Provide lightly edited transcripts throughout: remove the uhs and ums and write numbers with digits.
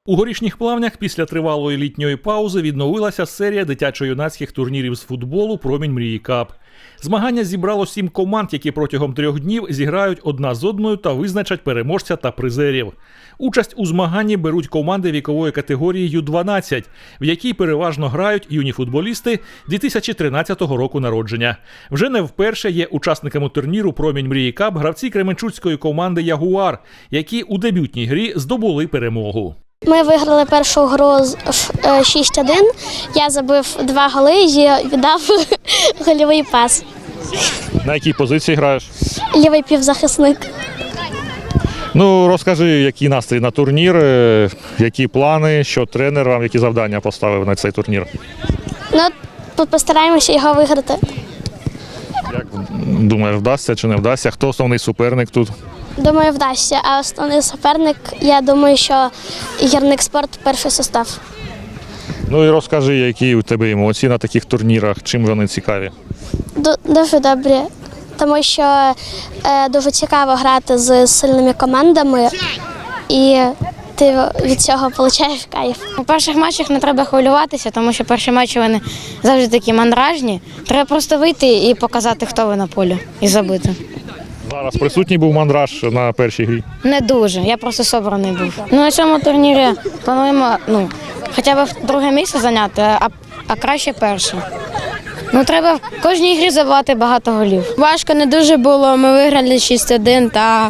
У Горішніх Плавнях після тривалої літньої паузи відновилася серія дитячо-юнацьких турнірів з футболу «Промінь мрії Кап». Змагання зібрало 7 команд, які протягом 3 днів зіграють одна з одною та визначать переможця та призерів. Участь у змаганні беруть команди вікової категорії Ю-12, в якій переважно грають юні футболісти 2013 року народження. Вже не вперше є учасниками турніру «Промінь мрії Кап» гравці кременчуцької команди «Ягуар», які у дебютній грі здобули перемогу. Ми виграли першу гру 6-1, я забив 2 голи і віддав гольовий пас. На якій позиції граєш? Лівий півзахисник. Ну, розкажи, який настрій на турнір, які плани, що тренер вам, які завдання поставив на цей турнір? Ну, постараємося його виграти. Як думаєш, вдасться чи не вдасться? Хто основний суперник тут? Думаю, вдасться. А основний суперник, я думаю, що Гірникспорт перший состав. Ну і розкажи, які у тебе емоції на таких турнірах, чим вони цікаві? Дуже добре, тому що дуже цікаво грати з сильними командами і ти від цього отримуєш кайф. У перших матчах не треба хвилюватися, тому що перші матчі вони завжди такі мандражні. Треба просто вийти і показати, хто ви на полі, і забити. Зараз присутній був мандраж на першій грі? Не дуже, я просто собраний був. На цьому турнірі плануємо хоча б друге місце зайняти, а краще перше. Треба в кожній грі забивати багато голів. Важко не дуже було, ми виграли 6-1 та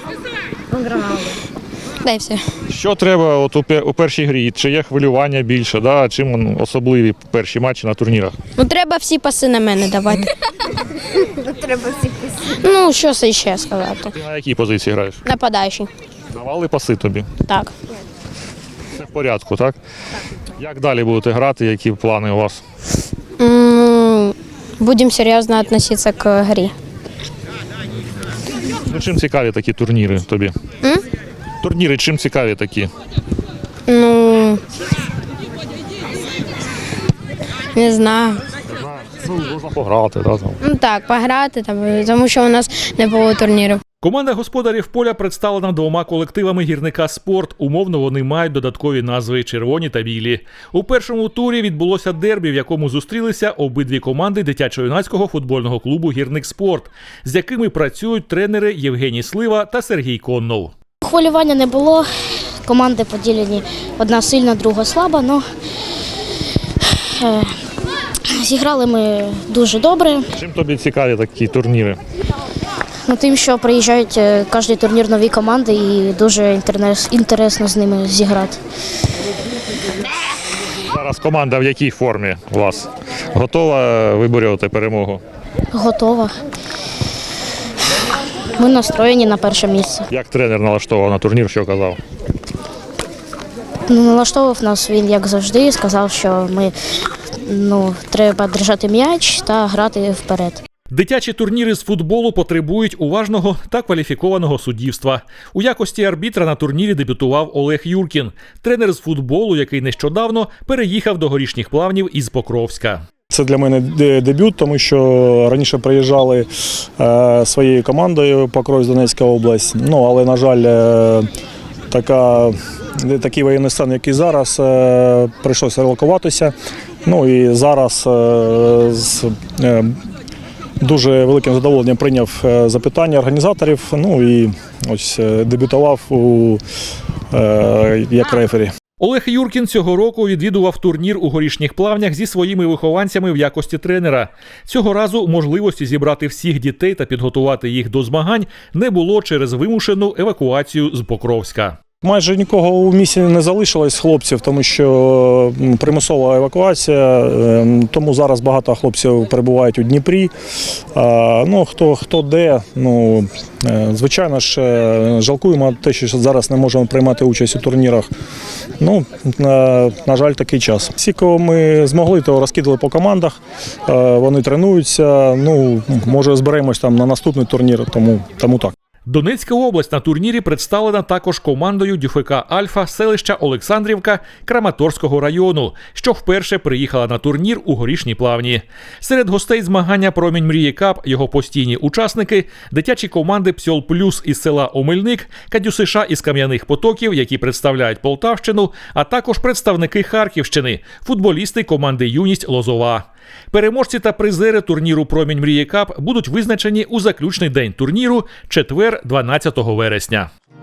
й все. Що треба от у першій грі? Чи є хвилювання більше? Да? Чим особливі перші матчі на турнірах? Треба всі паси на мене давати. Що це ще сказати? Ти на якій позиції граєш? Нападаючий. Давали паси тобі? Так. Все в порядку, так? Як далі будете грати, які плани у вас? Будемо серйозно відноситися к грі. Ну, чим цікаві такі турніри тобі? Турніри чим цікаві такі? Не знаю. Можна пограти, да, там. Так, пограти, тому що у нас не було турнірів. Команда господарів поля представлена 2 колективами гірника «Спорт». Умовно вони мають додаткові назви «Червоні» та «Білі». У першому турі відбулося дербі, в якому зустрілися обидві команди дитячо-юнацького футбольного клубу «Гірник Спорт», з якими працюють тренери Євгеній Слива та Сергій Коннов. Хвилювання не було, команди поділені одна сильна, друга слаба, але зіграли ми дуже добре. Чим тобі цікаві такі турніри? Тим, що приїжджають кожен турнір нові команди і дуже інтересно з ними зіграти. Зараз команда в якій формі у вас? Готова виборювати перемогу? Готова. Ми настроєні на перше місце. Як тренер налаштовував на турнір, що казав? Налаштовував нас він, як завжди, сказав, що ми треба держати м'яч та грати вперед. Дитячі турніри з футболу потребують уважного та кваліфікованого суддівства. У якості арбітра на турнірі дебютував Олег Юркін, тренер з футболу, який нещодавно переїхав до Горішніх Плавнів із Покровська. Це для мене дебют, тому що раніше приїжджали своєю командою Покровськ, Донецька область, але, на жаль, такий воєнний стан, який зараз, прийшлося релокуватися. І зараз з дуже великим задоволенням прийняв запитання організаторів, і ось дебютував як рефері. Олег Юркін цього року відвідував турнір у Горішніх Плавнях зі своїми вихованцями в якості тренера. Цього разу можливості зібрати всіх дітей та підготувати їх до змагань не було через вимушену евакуацію з Покровська. Майже нікого у місті не залишилось хлопців, тому що примусова евакуація, тому зараз багато хлопців перебувають у Дніпрі. Хто де, звичайно ж, жалкуємо те, що зараз не можемо приймати участь у турнірах. На жаль, такий час. Всі, кого ми змогли, то розкидали по командах, вони тренуються, може зберемось там на наступний турнір, тому так. Донецька область на турнірі представлена також командою ДЮФК «Альфа» селища Олександрівка Краматорського району, що вперше приїхала на турнір у Горішній Плавні. Серед гостей змагання «Промінь мрії Кап» його постійні учасники – дитячі команди «Псьол Плюс» із села Омельник, «Кадюсиша» із Кам'яних Потоків, які представляють Полтавщину, а також представники Харківщини – футболісти команди «Юність» Лозова. Переможці та призери турніру «Промінь мрії Кап» будуть визначені у заключний день турніру – четвер, 12 вересня.